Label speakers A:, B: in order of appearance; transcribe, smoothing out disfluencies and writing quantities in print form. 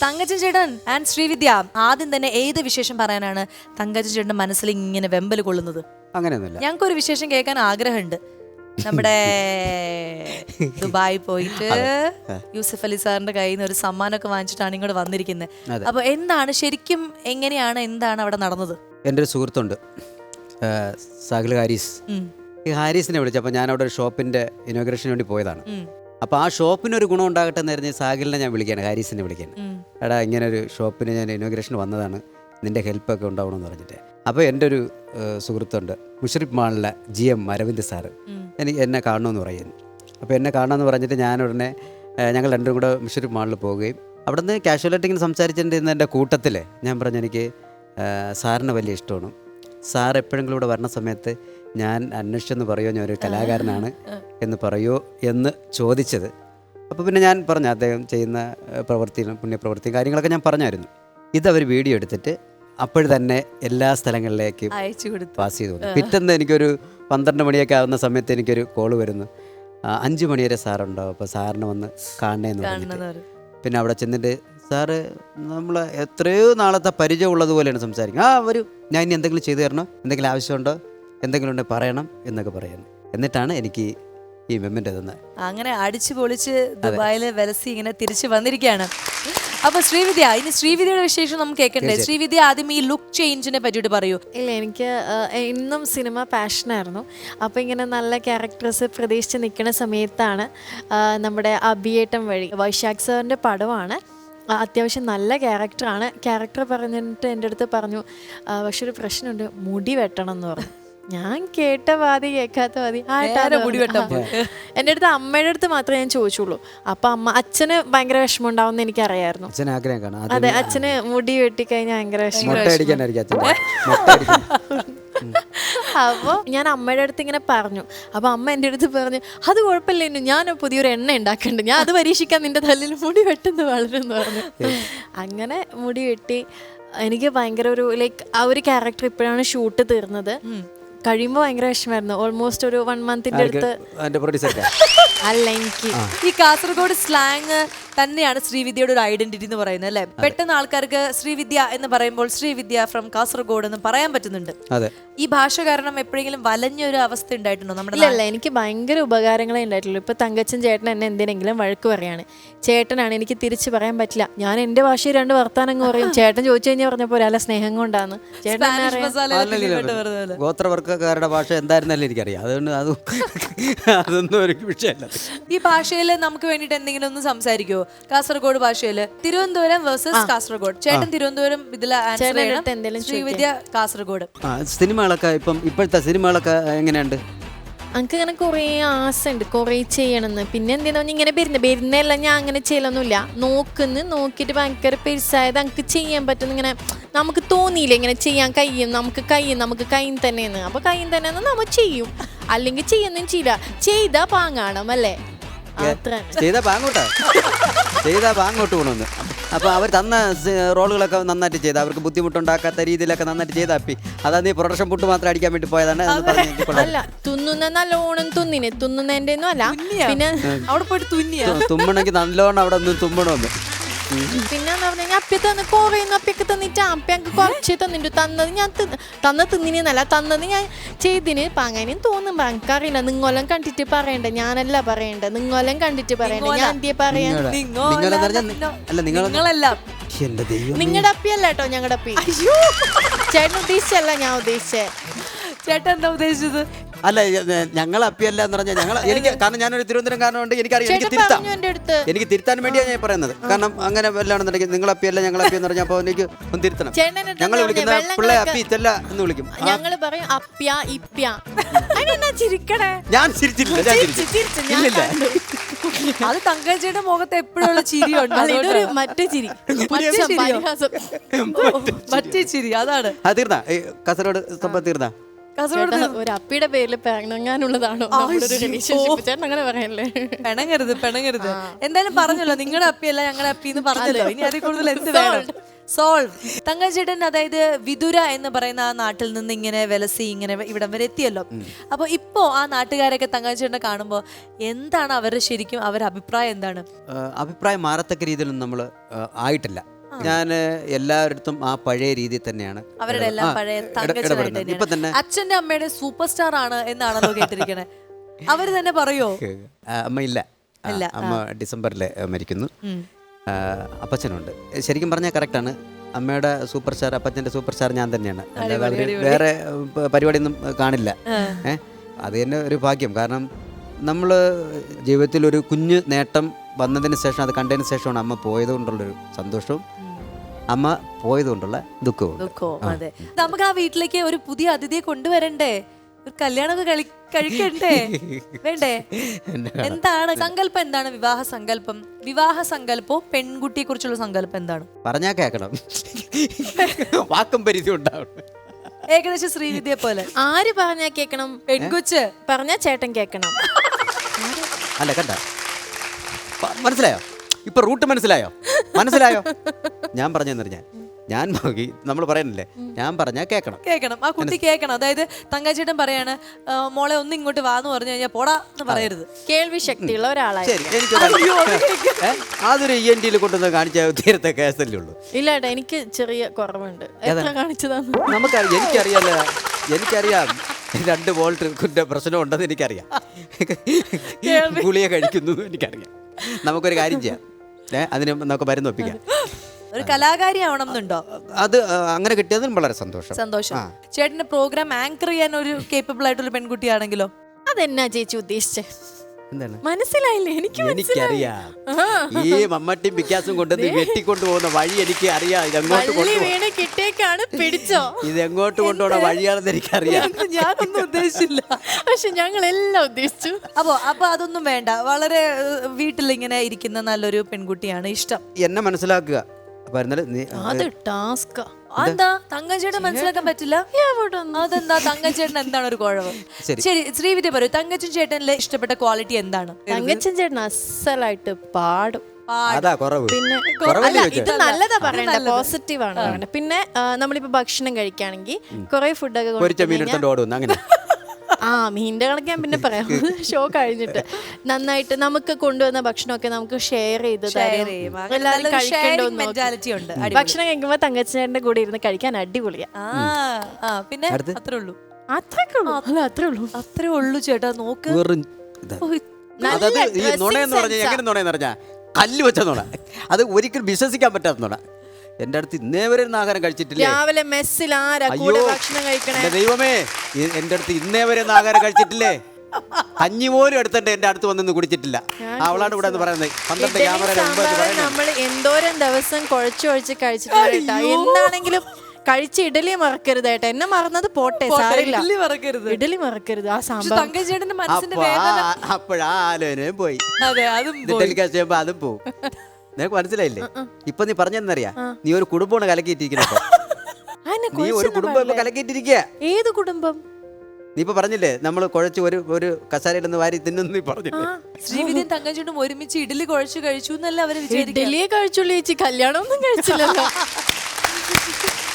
A: തങ്കച്ചൻ ചേട്ടൻ ആൻഡ് ശ്രീവിദ്യ, ആദ്യം തന്നെ ഏത് വിശേഷം പറയാനാണ് തങ്കച്ചൻ ചേട്ടന്റെ മനസ്സിൽ ഇങ്ങനെ വെമ്പൽ കൊള്ളുന്നത്?
B: അങ്ങനെയൊന്നുമില്ല.
A: ഞങ്ങൾക്കൊരു വിശേഷം കേൾക്കാൻ ആഗ്രഹമുണ്ട്. നമ്മുടെ ദുബായി പോയിട്ട് യൂസഫ് അലി സാറിന്റെ കയ്യിൽ നിന്ന് ഒരു സമ്മാനമൊക്കെ വാങ്ങിച്ചിട്ടാണ് ഇങ്ങോട്ട് വന്നിരിക്കുന്നത്. അപ്പൊ എന്താണ് ശരിക്കും, എങ്ങനെയാണ്, എന്താണ് അവിടെ നടന്നത്?
B: എൻ്റെ ഒരു സുഹൃത്തുണ്ട്, സാഹിൽ ഹാരിസ്. ഈ ഹാരിസിനെ വിളിച്ചപ്പോൾ ഞാൻ അവിടെ ഒരു ഷോപ്പിൻ്റെ ഇനോഗ്രേഷന് വേണ്ടി പോയതാണ്. അപ്പോൾ ആ ഷോപ്പിനൊരു ഗുണം ഉണ്ടാകട്ടെ എന്ന് പറഞ്ഞ് സാഹിലിനെ ഞാൻ വിളിക്കുകയാണ്, ഹാരിസിനെ വിളിക്കുകയാണ്. എടാ, ഇങ്ങനെ ഒരു ഷോപ്പിന് ഞാൻ ഇനോഗ്രേഷന് വന്നതാണ്, നിൻ്റെ ഹെൽപ്പൊക്കെ ഉണ്ടാവണമെന്ന് പറഞ്ഞിട്ട്. അപ്പോൾ എൻ്റെ ഒരു സുഹൃത്തുണ്ട്, മുഷറിഫ് മാളിലെ GM അരവിന്ദ് സാറ്, എന്നെ കാണണമെന്ന് പറയുന്നു. അപ്പോൾ എന്നെ കാണണമെന്ന് പറഞ്ഞിട്ട് ഞാൻ ഉടനെ ഞങ്ങൾ രണ്ടും കൂടെ മുഷറിഫ് മാളിൽ പോവുകയും അവിടെ നിന്ന് കാഷ്വലായിട്ട് ഇങ്ങനെ സംസാരിച്ചിട്ടുണ്ടെന്ന് എൻ്റെ കൂട്ടത്തിൽ ഞാൻ പറഞ്ഞു, എനിക്ക് സാറിന് വലിയ ഇഷ്ടമാണ്, സാർ എപ്പോഴെങ്കിലും ഇവിടെ വരണ സമയത്ത് ഞാൻ അന്വേഷിച്ചെന്ന് പറയുമോ, ഞാൻ ഒരു കലാകാരനാണ് എന്ന് പറയുമോ എന്ന് ചോദിച്ചത്. അപ്പോൾ പിന്നെ ഞാൻ പറഞ്ഞു അദ്ദേഹം ചെയ്യുന്ന പ്രവൃത്തിയിലും പുണ്യപ്രവൃത്തിയും കാര്യങ്ങളൊക്കെ ഞാൻ പറഞ്ഞായിരുന്നു. ഇതവർ വീഡിയോ എടുത്തിട്ട് അപ്പോൾ തന്നെ എല്ലാ സ്ഥലങ്ങളിലേക്കും പാസ് ചെയ്തു വന്നു. പിറ്റേന്ന് എനിക്കൊരു 12 മണിയൊക്കെ ആവുന്ന സമയത്ത് എനിക്കൊരു കോള് വരുന്നു, 5 മണി വരെ സാറുണ്ടാവും, അപ്പോൾ സാറിന് വന്ന് കാണണേന്ന് പറഞ്ഞിട്ട്. പിന്നെ അവിടെ ചെന്നിട്ട് സാറ് നമ്മൾ എത്രയോ നാളത്തെ പരിചയമുള്ളതുപോലെയാണ് സംസാരിക്കുന്നത്. വരും, ഞാൻ ഇനി എന്തെങ്കിലും ചെയ്തു തരണോ, എന്തെങ്കിലും ആവശ്യമുണ്ടോ, എന്തെങ്കിലും ഉണ്ടെങ്കിൽ പറയണം എന്നൊക്കെ പറയുന്നു. എന്നിട്ടാണ് എനിക്ക് ഈ മെമ്മൻ്റ് തന്നത്.
A: അങ്ങനെ അടിച്ചു പൊളിച്ച് ദുബായിൽ വെലസി ഇങ്ങനെ തിരിച്ചു വന്നിരിക്കുകയാണ്. അപ്പൊ ശ്രീവിദ്യ, ഇനി ശ്രീവിദ്യയുടെ വിശേഷം നമുക്ക് കേൾക്കണ്ടേ? ശ്രീവിദ്യ, ആദ്യം ഈ ലുക്ക് ചേഞ്ചിനെ പറ്റിയിട്ട് പറയൂ.
C: ഇല്ല, എനിക്ക് ഇന്നും സിനിമ പാഷനായിരുന്നു. അപ്പോൾ ഇങ്ങനെ നല്ല ക്യാരക്ടേഴ്സ് പ്രതീക്ഷിച്ച് നിൽക്കുന്ന സമയത്താണ് നമ്മുടെ അഭിയേട്ടം വഴി, വൈശാഖ് സാറിൻ്റെ പടമാണ്, അത്യാവശ്യം നല്ല ക്യാരക്ടറാണ്. ക്യാരക്ടർ പറഞ്ഞിട്ട് എൻ്റെ അടുത്ത് പറഞ്ഞു, പക്ഷെ ഒരു പ്രശ്നമുണ്ട്, മുടി വെട്ടണം എന്ന് പറഞ്ഞു. ഞാൻ കേട്ട പാതി കേൾക്കാത്ത പാതി
A: മുടി വെട്ടാൻ
C: എൻ്റെ അടുത്ത് അമ്മയുടെ അടുത്ത് മാത്രമേ ഞാൻ ചോദിച്ചുള്ളൂ. അപ്പം അച്ഛന് ഭയങ്കര വിഷമം ഉണ്ടാവും എനിക്കറിയായിരുന്നു. അതെ, അച്ഛന് മുടി വെട്ടിക്കഴിഞ്ഞാൽ ഭയങ്കര വിഷമം. അപ്പോൾ ഞാൻ അമ്മയുടെ അടുത്ത് ഇങ്ങനെ പറഞ്ഞു. അപ്പോൾ അമ്മ എൻ്റെ അടുത്ത് പറഞ്ഞു, അത് കുഴപ്പമില്ല, ഞാൻ പുതിയൊരു എണ്ണ ഉണ്ടാക്കുന്നുണ്ട്, ഞാൻ അത് പരീക്ഷിക്കാൻ നിന്റെ തല്ലിൽ മുടി വെട്ടുന്നത് വളരെന്ന് പറഞ്ഞു. അങ്ങനെ മുടി വെട്ടി എനിക്ക് ഭയങ്കര ഒരു ആ ഒരു ക്യാരക്ടർ ഇപ്പോഴാണ് ഷൂട്ട് തീർന്നത്. കഴിയുമ്പോൾ ഭയങ്കര വിഷമായിരുന്നു. ഓൾമോസ്റ്റ് ഒരു 1 മന്തിന്റെ അടുത്ത്. അല്ല, എനിക്ക്
A: ഈ കാസർഗോഡ് സ്ലാങ് തന്നെയാണ് ശ്രീവിദ്യയുടെ ഒരു ഐഡന്റിറ്റി എന്ന് പറയുന്നത്, അല്ലെ? പെട്ടെന്ന് ആൾക്കാർക്ക് ശ്രീവിദ്യ എന്ന് പറയുമ്പോൾ ശ്രീവിദ്യ ഫ്രം കാസർഗോഡ് എന്ന് പറയാൻ പറ്റുന്നുണ്ട്. ഈ ഭാഷ കാരണം എപ്പോഴെങ്കിലും വലഞ്ഞൊരു അവസ്ഥ ഉണ്ടായിട്ടുണ്ടോ നമ്മുടെ?
C: ഇല്ല, എനിക്ക് ഭയങ്കര ഉപകാരങ്ങളെ ഉണ്ടായിട്ടുള്ളൂ. ഇപ്പൊ തങ്കച്ചൻ ചേട്ടൻ എന്നെ എന്തിനെങ്കിലും വഴക്ക് പറയാണ്, ചേട്ടനാണ്, എനിക്ക് തിരിച്ച് പറയാൻ പറ്റില്ല, ഞാൻ എന്റെ ഭാഷയിൽ 2 വർത്താനം പറയും. ചേട്ടൻ ചോദിച്ചു കഴിഞ്ഞാൽ പറഞ്ഞപ്പോ ഒരാളെ സ്നേഹം കൊണ്ടാണ്. ചേട്ടൻ
B: ഗോത്രവർഗ്ഗക്കാരുടെ ഭാഷ എന്തായിരുന്നല്ലേ എനിക്കറിയാം, അതുകൊണ്ട് അതൊന്നും ഒരു വിഷയമല്ല.
A: ഈ ഭാഷയിൽ നമുക്ക് വേണ്ടിട്ട് എന്തെങ്കിലും ഒന്ന് സംസാരിക്കുമോ? കാസർഗോഡ് ഭാഷയില് തിരുവനന്തപുരം വേഴ്സസ് കാസർഗോഡ്. ചേട്ടൻ തിരുവനന്തപുരം, ഇതിലെ ശ്രീവിദ്യ കാസർഗോഡ്.
B: സിനിമകളൊക്കെ ഇപ്പോഴത്തെ സിനിമകളൊക്കെ എങ്ങനെയുണ്ട്?
C: എനിക്ക് ഇങ്ങനെ കുറേ ആശയുണ്ട്, കുറേ ചെയ്യണമെന്ന്. പിന്നെ എന്തിനാ ഇങ്ങനെ വരുന്നതെല്ലാം ഞാൻ അങ്ങനെ ചെയ്യലൊന്നുമില്ല. നോക്കിയിട്ട് ഭയങ്കര പെരുസായത് എനിക്ക് ചെയ്യാൻ പറ്റുന്ന ഇങ്ങനെ നമുക്ക് തോന്നിയില്ല, ഇങ്ങനെ ചെയ്യാൻ കഴിയും, നമുക്ക് കയ്യും തന്നെയെന്ന്. അപ്പോൾ കയ്യും തന്നെയെന്ന് നമ്മൾ ചെയ്യും, അല്ലെങ്കിൽ ചെയ്യുന്നതും ചെയ്യില്ല. ചെയ്താൽ പാങ്ങാണം, അല്ലേ?
B: ചെയ്താ പാങ്ങോട്ട് പോകണമെന്ന്. അപ്പോൾ അവർ തന്ന റോളുകളൊക്കെ നന്നായിട്ട് ചെയ്ത്, അവർക്ക് ബുദ്ധിമുട്ടുണ്ടാക്കാത്ത രീതിയിലൊക്കെ നന്നായിട്ട് ചെയ്താപ്പി. അതാ നീ പ്രൊഡക്ഷൻ പുട്ട് മാത്രം അടിക്കാൻ വേണ്ടി പോയതാണ്.
C: അല്ല, തുന്നുന്ന നല്ലോണം തുന്നുന്നതിന്റെ ഒന്നും അല്ല, പിന്നെ
A: അവിടെ പോയിട്ട്
B: തുമ്മണമെങ്കിൽ നല്ലോണം അവിടെ നിന്ന് തുമ്മണമെന്ന്.
C: പിന്നെ അപ്പി തന്ന് കുറേന്ന് അപ്പിയൊക്കെ തന്നിട്ട് അപ്പി ഞങ്ങൾക്ക് കുറച്ച് തന്നിട്ടു. തിന്നിനല്ല തന്നത് ഞാൻ ചെയ്തിന് പാങ്ങാനും തോന്നും. എനിക്കറിയില്ല, നിങ്ങളെല്ലാം കണ്ടിട്ട് പറയണ്ട, ഞാനല്ല പറയണ്ട, നിങ്ങളെല്ലാം കണ്ടിട്ട് പറയണ്ട. ഞാൻ എന്തിയെ പറയാ? നിങ്ങളുടെ അപ്പിയല്ല കേട്ടോ, ഞങ്ങളുടെ അപ്പി. ചേട്ടൻ ഉദ്ദേശിച്ചല്ല ഞാൻ ഉദ്ദേശിച്ചേ.
A: ചേട്ടൻ എന്താ ഉദ്ദേശിച്ചത്?
B: അല്ല, ഞങ്ങൾ അപ്പിയല്ല എന്ന് പറഞ്ഞാൽ എനിക്ക്, കാരണം ഞാനൊരു തിരുവനന്തപുരംകാരനുണ്ട്, എനിക്കറിയാം, എനിക്ക് തിരുത്താൻ വേണ്ടിയാണ് ഞാൻ പറയുന്നത്. കാരണം അങ്ങനെ വല്ലാണെന്നുണ്ടെങ്കിൽ നിങ്ങൾ അപ്പിയല്ല ഞങ്ങൾ അപ്പി എന്ന് പറഞ്ഞാൽ അപ്പോൾ എനിക്ക് ഒന്ന് തിരുത്തണം. ഞങ്ങൾ വിളിക്കുന്ന പിള്ളേ അപ്പി ഇത്തല്ല എന്ന് വിളിക്കും.
C: ഞങ്ങൾ പറയും അപ്പ്യ ഇപ്പ്യ. ചിരിക്കണേ?
B: ഞാൻ ചിരിച്ചില്ല.
A: അത് തങ്കച്ചിയുടെ മുഖത്ത് എപ്പോഴുള്ള ചിരിയുണ്ട്,
C: മറ്റേ ചിരി,
A: മറ്റേ ചിരി. അതാണ്.
B: തീർന്നാ കാസർഗോഡ് സംഭവം തീർന്നാ?
C: ഒരു അപ്പിയുടെ പേരിൽ പിണങ്ങാനുള്ളതാണോ അങ്ങനെ പറയല്ലേ?
A: പിണങ്ങരുത്. എന്തായാലും പറഞ്ഞല്ലോ, നിങ്ങളുടെ അപ്പിയല്ല ഞങ്ങളുടെ അപ്പി എന്ന് പറഞ്ഞല്ലോ. ഇനി അതിൽ കൂടുതൽ എന്ത് വേണം? സോൾവ്. തങ്കച്ചേട്ടൻ, അതായത് വിതുര എന്ന് പറയുന്ന ആ നാട്ടിൽ നിന്ന് ഇങ്ങനെ വെലസി ഇങ്ങനെ ഇവിടം വരെ എത്തിയല്ലോ. അപ്പൊ ഇപ്പോ ആ നാട്ടുകാരൊക്കെ തങ്കച്ചേട്ടനെ കാണുമ്പോ എന്താണ് അവരുടെ ശരിക്കും അവരുടെ അഭിപ്രായം എന്താണ്?
B: അഭിപ്രായം മാറത്തക്ക രീതിയിലൊന്നും നമ്മൾ ആയിട്ടില്ല. ഞാൻ എല്ലാവരുടെ ആ പഴയ രീതിയിൽ തന്നെയാണ്
A: അവരുടെ എല്ലാം പഴയ
B: ഇടപെടുന്നത്. ഇപ്പൊ തന്നെ
A: അച്ഛന്റെ അമ്മയുടെ സൂപ്പർ സ്റ്റാർ ആണ് എന്നാണല്ലോ കേട്ടിരിക്കണേ. അവര് തന്നെ പറയോ?
B: അമ്മ ഇല്ല, അമ്മ ഡിസംബറിൽ മരിക്കുന്നു. അപ്പച്ചനുണ്ട്. ശരിക്കും പറഞ്ഞാൽ കറക്റ്റാണ്. അമ്മയുടെ സൂപ്പർ സ്റ്റാർ, അപ്പച്ചൻ്റെ സൂപ്പർ സ്റ്റാർ ഞാൻ തന്നെയാണ്. അല്ലാതെ അവർ വേറെ പരിപാടിയൊന്നും കാണില്ല. അത് തന്നെ ഒരു ഭാഗ്യം. കാരണം നമ്മൾ ജീവിതത്തിൽ ഒരു കുഞ്ഞ് നേട്ടം വന്നതിന് ശേഷം, അത് കണ്ടതിന് ശേഷമാണ് അമ്മ പോയത് കൊണ്ടുള്ളൊരു സന്തോഷവും അമ്മ പോയത് കൊണ്ടുള്ള ദുഃഖവും.
A: അതെ, നമുക്ക് ആ വീട്ടിലേക്ക് ഒരു പുതിയ അതിഥിയെ കൊണ്ടുവരണ്ടേ? ഒരു കല്യാണമൊക്കെ കഴിക്കണ്ടേ? വേണ്ടേ? എന്താണ് സങ്കല്പം? എന്താണ് വിവാഹ സങ്കല്പം? വിവാഹ സങ്കല്പോ പെൺകുട്ടിയെ കുറിച്ചുള്ള സങ്കല്പം എന്താണ്?
B: പറഞ്ഞാ കേക്കണം, വാക്കും പരിധി ഉണ്ടാവണം.
A: ഏകദേശം ശ്രീവിദ്യയെ പോലെ.
C: ആര് പറഞ്ഞാ കേക്കണം?
A: പെൺകുച്ച്
C: പറഞ്ഞാ ചേട്ടൻ കേക്കണം.
B: അല്ല കണ്ട, മനസ്സിലായോ? ഇപ്പൊ റൂട്ട് മനസ്സിലായോ? ഞാൻ പറഞ്ഞെന്നറിഞ്ഞ ഞാൻ നമ്മൾ പറയുന്നില്ലേ, ഞാൻ പറഞ്ഞാ കേക്കണം.
A: ആ കുട്ടി കേക്കണം. അതായത് തങ്കച്ചേട്ടൻ പറയാണ്, മോളെ ഒന്ന് ഇങ്ങോട്ട് വാന്ന് പറഞ്ഞു കഴിഞ്ഞാൽ പോടാ എന്ന് പറയരുത്.
C: കേൾവി ശക്തിയുള്ള ഒരാളായി.
B: ശരി, അതൊരു ENT കൊണ്ടുവന്ന് കാണിച്ച തീരത്തെ കേസല്ലേ ഉള്ളൂ.
C: ഇല്ല ഏട്ടാ, എനിക്ക് ചെറിയ കുറവുണ്ട്. എത്ര കാണിച്ചതാണ്?
B: എനിക്കറിയാം 2 വോൾട്ട് പ്രശ്നം ഉണ്ടെന്ന് എനിക്കറിയാം. ഗുളിക കഴിക്കുന്നു എനിക്കറിയാം. നമുക്കൊരു കാര്യം ചെയ്യാം, അതിന് നമുക്ക് മരുന്ന് ഒപ്പിക്കാം.
A: ഒരു കലാകാരി ആവണം എന്നുണ്ടോ?
B: അത് അങ്ങനെ കിട്ടിയതിനും വളരെ സന്തോഷം.
A: ചേട്ടന്റെ പ്രോഗ്രാം ആങ്കർ ചെയ്യാൻ ഒരു കേപ്പബിൾ ആയിട്ടുള്ള പെൺകുട്ടിയാണെങ്കിലോ?
C: അതെന്നാ ചേച്ചി ഉദ്ദേശിച്ചേ?
B: എന്താണ്
C: മനസ്സിലായില്ലേ?
B: എനിക്കറിയാം. ഈ മമ്മട്ടിയും പിക്കാസും കൊണ്ടുവന്ന് വെട്ടിക്കൊണ്ടു പോകുന്ന വഴി എനിക്ക് അറിയാം. ഇത് എങ്ങോട്ട് കൊണ്ടുപോകുന്ന വഴിയാണെന്ന് എനിക്കറിയാം.
A: ഞാനൊന്നും ഉദ്ദേശിച്ചില്ല,
C: പക്ഷെ ഞങ്ങളെല്ലാം ഉദ്ദേശിച്ചു.
A: അപ്പൊ അതൊന്നും വേണ്ട. വളരെ വീട്ടിലിങ്ങനെ ഇരിക്കുന്ന നല്ലൊരു പെൺകുട്ടിയാണ് ഇഷ്ടം.
B: എന്നെ മനസ്സിലാക്കുക.
C: അത് ടാസ്ക്.
A: അതെന്താ തങ്കച്ചേട്ടൻ മനസ്സിലാക്കാൻ പറ്റില്ല? അതെന്താ? തങ്കച്ചേട്ടൻ എന്താണ് ഒരു കുഴപ്പം? ശരി, ശ്രീവിദ്യ പറയൂ, തങ്കച്ചൻ ചേട്ടനിലെ ഇഷ്ടപ്പെട്ട ക്വാളിറ്റി എന്താണ്?
C: തങ്കച്ചൻ ചേട്ടൻ അസലായിട്ട് പാടും. പിന്നെ ഇത് നല്ലതാ പറയണ്ട, പോസിറ്റീവ് ആണ് പറയണ്ട. പിന്നെ നമ്മളിപ്പോ ഭക്ഷണം കഴിക്കുകയാണെങ്കിൽ കുറെ ഫുഡൊക്കെ മീനിന്റെ കണക്ക് ഞാൻ പിന്നെ പറയാം, ഷോ കഴിഞ്ഞിട്ട്. നന്നായിട്ട് നമുക്ക് കൊണ്ടുവന്ന ഭക്ഷണമൊക്കെ നമുക്ക് ഷെയർ ചെയ്ത് എല്ലാവരും കഴിക്കണ്ടോന്ന്. ഭക്ഷണം കഴിക്കുമ്പോ തങ്കച്ചേട്ടന്റെ കൂടെ ഇരുന്ന് കഴിക്കാൻ അടിപൊളിയാ.
A: പിന്നെ അത്രേ ഉള്ളൂ.
C: അത്രേ
A: ഉള്ളൂ ചേട്ടാ. നോക്ക്,
B: കല്ല് വെച്ച നോണ, അത് ഒരിക്കലും വിശ്വസിക്കാൻ പറ്റാത്ത നോണ. എന്റെ അടുത്ത് ഇന്നേ വരെ ആഹാരം കഴിച്ചിട്ടില്ല.
C: രാവിലെ മെസ്സിൽ ഭക്ഷണം കഴിക്കണേ
B: ദൈവമേ, എന്റെ അടുത്ത് ഇന്നേ വരെ ആഹാരം കഴിച്ചിട്ടില്ലേ? കഞ്ഞി പോലും എടുത്തിട്ട് എന്റെ അടുത്ത് വന്നൊന്നും കുടിച്ചിട്ടില്ല. അവളാണ് ഇവിടെ പറയുന്നത്. 12 ക്യാമറ
C: നമ്മൾ എന്തോരം ദിവസം കുഴച്ച് കഴിച്ചിട്ടില്ല. എന്താണെങ്കിലും കഴിച്ച ഇഡലി മറക്കരുത് ഏട്ടാ. എന്നെ മറന്നത് പോട്ടെ, സാരില്ല. ഇഡലി മറക്കരുത്. ആ സാമ്പാർ
B: അപ്പോഴാ ആലോചനയും പോയി. അതും പോവും. നിനക്ക് മനസ്സിലായില്ലേ? ഇപ്പൊ നീ പറഞ്ഞെന്നറിയാ, നീ ഒരു കുടുംബമാണ് കലക്കിയിട്ടിരിക്കുന്നത്. നീ ഒരു കുടുംബം കലക്കിയിട്ടിരിക്കുക.
C: ഏത് കുടുംബം?
B: നീ ഇപ്പൊ പറഞ്ഞില്ലേ, നമ്മൾ കുഴച്ച് ഒരു കസാരയിലൊന്ന് വാരി തിന്നു പറഞ്ഞില്ലേ?
A: ശ്രീവിദ്യയും തങ്കച്ചേട്ടനും ഒരുമിച്ച് ഇഡലി കുഴച്ച് കഴിച്ചു എന്നല്ല അവര് വിചാരിക്കുക.
C: ഇഡലിയെ കഴിച്ചുള്ളൂ ചേച്ചി, കല്യാണം ഒന്നും കഴിച്ചില്ലല്ലോ.